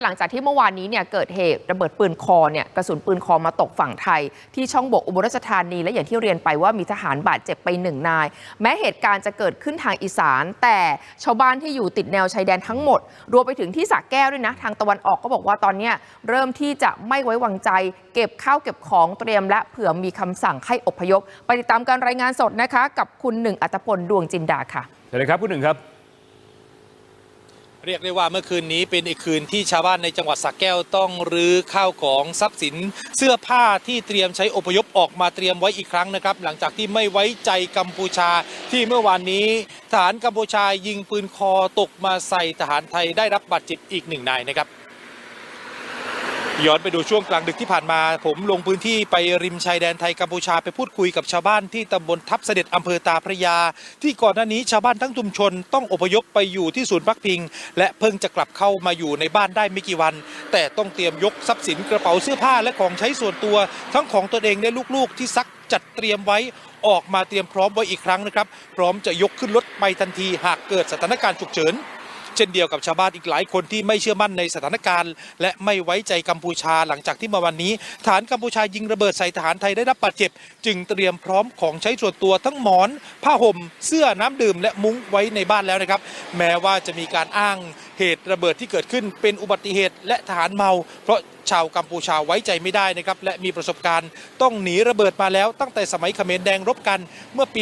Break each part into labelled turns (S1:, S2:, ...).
S1: หลังจากที่เมื่อวานนี้เนี่ยเกิดเหตุระเบิดปืนคอเนี่ยกระสุนปืนคอมาตกฝั่งไทยที่ช่องบกอุบลราชธานีและอย่างที่เรียนไปว่ามีทหารบาดเจ็บไป1 นายแม้เหตุการณ์จะเกิดขึ้นทางอีสานแต่ชาวบ้านที่อยู่ติดแนวชายแดนทั้งหมดรวมไปถึงที่สระแก้วด้วยนะทางตะวันออกก็บอกว่าตอนนี้เริ่มที่จะไม่ไว้วางใจเก็บข้าวเก็บของเตรียมและเผื่อมีคำสั่งให้อพยพไปติดตามการรายงานสดนะคะกับคุณหนึ่งอัตพลดวงจินดาค่ะ
S2: สวัสดีครับคุณหนึ่งครับ
S3: เรียกได้ว่าเมื่อคืนนี้เป็นอีกคืนที่ชาวบ้านในจังหวัดสระแก้วต้องรื้อข้าวของทรัพย์สินเสื้อผ้าที่เตรียมใช้อพยพออกมาเตรียมไว้อีกครั้งนะครับหลังจากที่ไม่ไว้ใจกัมพูชาที่เมื่อวานนี้ทหารกัมพูชายิงปืนคอตกมาใส่ทหารไทยได้รับบาดเจ็บอีก1 นายนะครับย้อนไปดูช่วงกลางดึกที่ผ่านมาผมลงพื้นที่ไปริมชายแดนไทยกัมพูชาไปพูดคุยกับชาวบ้านที่ตำบลทับเสด็จอำเภอตาพระยาที่ก่อนหน้านี้ชาวบ้านทั้งชุมชนต้องอพยพไปอยู่ที่ศูนย์พักพิงและเพิ่งจะกลับเข้ามาอยู่ในบ้านได้ไม่กี่วันแต่ต้องเตรียมยกทรัพย์สินกระเป๋าเสื้อผ้าและของใช้ส่วนตัวทั้งของตนเองและลูกๆที่ซักจัดเตรียมไว้ออกมาเตรียมพร้อมไว้อีกครั้งนะครับพร้อมจะยกขึ้นรถไปทันทีหากเกิดสถานการณ์ฉุกเฉินเช่นเดียวกับชาวบ้านอีกหลายคนที่ไม่เชื่อมั่นในสถานการณ์และไม่ไว้ใจกัมพูชาหลังจากที่เมื่อวันนี้ทหารกัมพูชายิงระเบิดใส่ทหารไทยได้รับบาดเจ็บจึงเตรียมพร้อมของใช้ส่วนตัวทั้งหมอนผ้าห่มเสื้อน้ำดื่มและมุ้งไว้ในบ้านแล้วนะครับแม้ว่าจะมีการอ้างเหตุระเบิดที่เกิดขึ้นเป็นอุบัติเหตุและทหารเมาเพราะชาวกัมพูชาไว้ใจไม่ได้นะครับและมีประสบการณ์ต้องหนีระเบิดมาแล้วตั้งแต่สมัยเขมรแดงรบกันเมื่อปี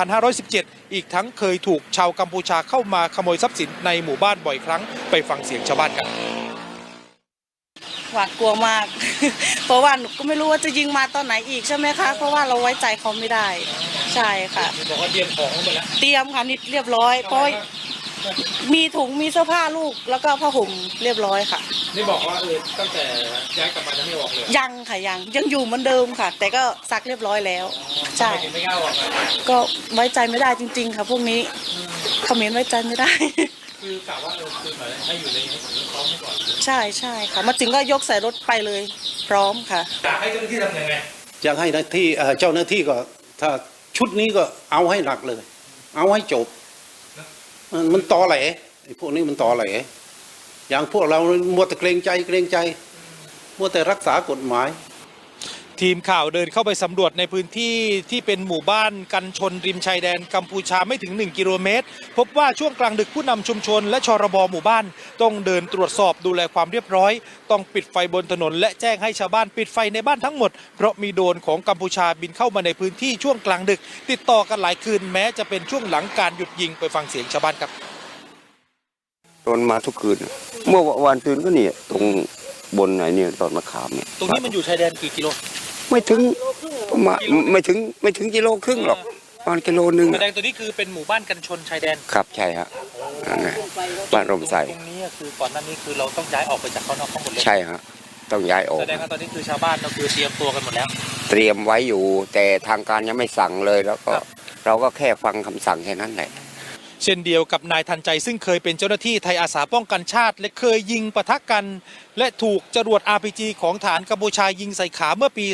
S3: 2517 อีกทั้งเคยถูกชาวกัมพูชาเข้ามาขโมยทรัพย์สินในหมู่บ้านบ่อยครั้งไปฟังเสียงชาวบ้านกัน
S4: หวาดกลัวมาก เพราะว่าหนูก็ไม่รู้ว่าจะยิงมาตอนไหนอีกใช่ไหมคะเพราะว่าเราไว้ใจเขาไม่ได้ใช่ค่ะ
S3: บอกว่าเตรียมของหมดแล้ว
S4: เตรียมค่ะนี่เรียบร้อยเพราะมีถุงมีเสื้อผ้าลูกแล้วก็ผ้าห่มเรียบร้อยค่ะ
S3: นี่บอกว่าตั้งแต่ย้ายกลับมาจะไม่ออกเลย
S4: ยังค่ะยังอยู่เหมือนเดิมค่ะ แต่ก็ซักเรียบร้อยแล้วใช่
S3: ไม่กล้าออก
S4: ก็ไว้ใจไม่ได้จริงๆค่ะพวกนี้เขมรไว้ใจไม่ได้
S3: คือกะว่าคือเหมือนให้อยู่ในนี้พร้อมก่อน
S4: ใช่ค่ะมาถึงก็ยกใส่รถไปเลยพร้อมค่ะ
S3: อยากให้เจ้าหน้าที่ทำยังไง
S5: อยากให้เจ้าหน้าที่ก็ถ้าชุดนี้ก็เอาให้หนักเลยเอาให้จบมันตอแหลไอ้พวกนี้มันตอแหลอย่างพวกเรามัวแต่เกรงใจมัวแต่รักษากฎหมาย
S3: ทีมข่าวเดินเข้าไปสำรวจในพื้นที่ที่เป็นหมู่บ้านกันชนริมชายแดนกัมพูชาไม่ถึง1 กิโลเมตรพบว่าช่วงกลางดึกผู้นำชุมชนและชรบหมู่บ้านต้องเดินตรวจสอบดูแลความเรียบร้อยต้องปิดไฟบนถนนและแจ้งให้ชาวบ้านปิดไฟในบ้านทั้งหมดเพราะมีโดรนของกัมพูชาบินเข้ามาในพื้นที่ช่วงกลางดึกติดต่อกันหลายคืนแม้จะเป็นช่วงหลังการหยุดยิงไปฟังเสียงชาวบ้านครับ
S6: โดนมาทุกคืนเมื่อวันคืนก็เนี่ยตรงบนไหนเนี่ยตอนมะขามเนี่ย
S3: ตรงนี้มันอยู่ชายแดนกี่กิโล
S6: ไม่ถึงประมาณไม่ถึงกิโลครึ่งหรอกประมาณกิโลนึง
S3: แสดงตัวนี้คือเป็นหมู่บ้านกันชนชายแดน
S6: ครับใช่ฮะบ้านร่มไทร
S3: ตรงนี้คือก่อนหน้านี้คือเราต้องย้ายออกไปจากข้างนอกทั้งหมดเลย
S6: ใช่ฮะต้องย้ายออก
S3: แสดงว่าตอนนี้คือชาวบ้านเราคือเตรียมตัวกันหมดแล้ว
S6: เตรียมไว้อยู่แต่ทางการยังไม่สั่งเลยแล้วก็เราก็แค่ฟังคำสั่งแค่นั้นแหละ
S3: เช่นเดียวกับนายทันใจซึ่งเคยเป็นเจ้าหน้าที่ไทยอาสาป้องกันชาติและเคยยิงปะทะกันและถูกจรวด RPG ของฐานกัมพูชายิงใส่ขาเมื่อปี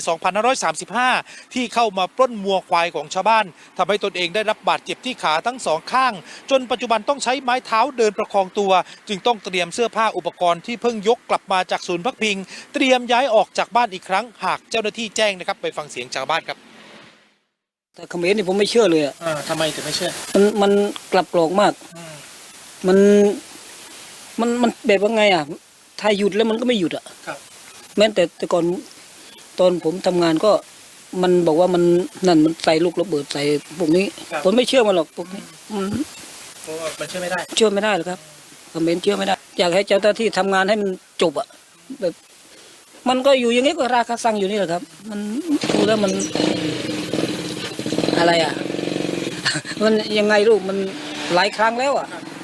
S3: 2535 ที่เข้ามาปล้นวัวควายของชาวบ้านทำให้ตนเองได้รับบาดเจ็บที่ขาทั้งสองข้างจนปัจจุบันต้องใช้ไม้เท้าเดินประคองตัวจึงต้องเตรียมเสื้อผ้าอุปกรณ์ที่เพิ่งยกกลับมาจากศูนย์พักพิงเตรียมย้ายออกจากบ้านอีกครั้งหากเจ้าหน้าที่แจ้งนะครับไปฟังเสียงชาวบ้านครับ
S7: แต่เขมรนี่ผมไม่เชื่อเลย
S3: ทำไมถึงไม่เชื่อ
S7: มันกลับกรอกมากมันแบบว่าไงถ้าหยุดแล้วมันก็ไม่หยุด
S3: ครับ
S7: แม้แต่ก่อนตอนผมทำงานก็มันบอกว่ามันนั่นมันใส่ลูกระเบิดใส่พวกนี้ผมไม่เชื่อมันหรอกพวกนี้
S3: เพราะว่ามันเชื่อไม่ได้
S7: หรอกครับเขมรเชื่อไม่ได้อยากให้เจ้าหน้าที่ทำงานให้มันจบแบบมันก็อยู่อย่างนี้ก็ราคาสั่งอยู่นี่แหละครับมันดูแล้วมันอะไรมันยังไงลูกมันหลายครั้งแล้ว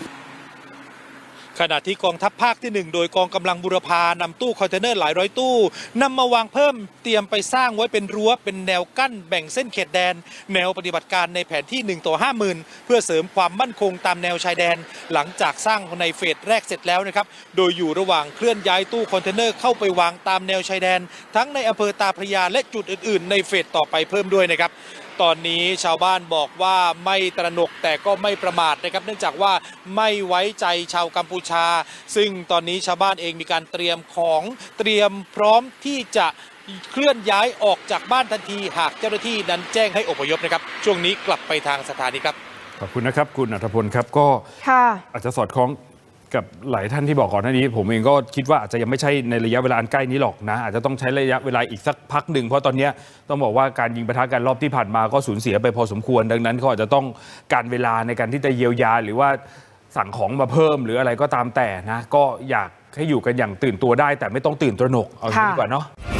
S3: ขณะที่กองทัพภาคที่1โดยกองกำลังบุรพานำตู้คอนเทนเนอร์หลายร้อยตู้นำมาวางเพิ่มเตรียมไปสร้างไว้เป็นรั้วเป็นแนวกั้นแบ่งเส้นเขตแดนแนวปฏิบัติการในแผนที่1:50,000เพื่อเสริมความมั่นคงตามแนวชายแดนหลังจากสร้างในเฟสแรกเสร็จแล้วนะครับโดยอยู่ระหว่างเคลื่อนย้ายตู้คอนเทนเนอร์เข้าไปวางตามแนวชายแดนทั้งในอำเภอตาพระยาและจุดอื่นๆในเฟสต่อไปเพิ่มด้วยนะครับตอนนี้ชาวบ้านบอกว่าไม่ตระหนกแต่ก็ไม่ประมาทนะครับเนื่องจากว่าไม่ไว้ใจชาวกัมพูชา ซึ่งตอนนี้ชาวบ้านเองมีการเตรียมของเตรียมพร้อมที่จะเคลื่อนย้ายออกจากบ้านทันทีหากเจ้าหน้าที่นั้นแจ้งให้อพยพนะครับช่วงนี้กลับไปทางสถานีครับ
S2: ขอบคุณนะครับคุณอัธพลครับก็
S1: ค่ะ
S2: อาจจะสอดคล้องกับหลายท่านที่บอกก่อนหน้านี้ ผมเองก็คิดว่าอาจจะยังไม่ใช่ในระยะเวลาอันใกล้นี้หรอกนะอาจจะต้องใช้ระยะเวลาอีกสักพักหนึ่งเพราะตอนนี้ต้องบอกว่าการยิงปะทะกันรอบที่ผ่านมาก็สูญเสียไปพอสมควรดังนั้นเขาอาจจะต้องการเวลาในการที่จะเยียวยาหรือว่าสั่งของมาเพิ่มหรืออะไรก็ตามแต่นะก็อยากให้อยู่กันอย่างตื่นตัวได้แต่ไม่ต้องตื่นตระหนกเอาอย่างนี้ดีกว่าเนาะ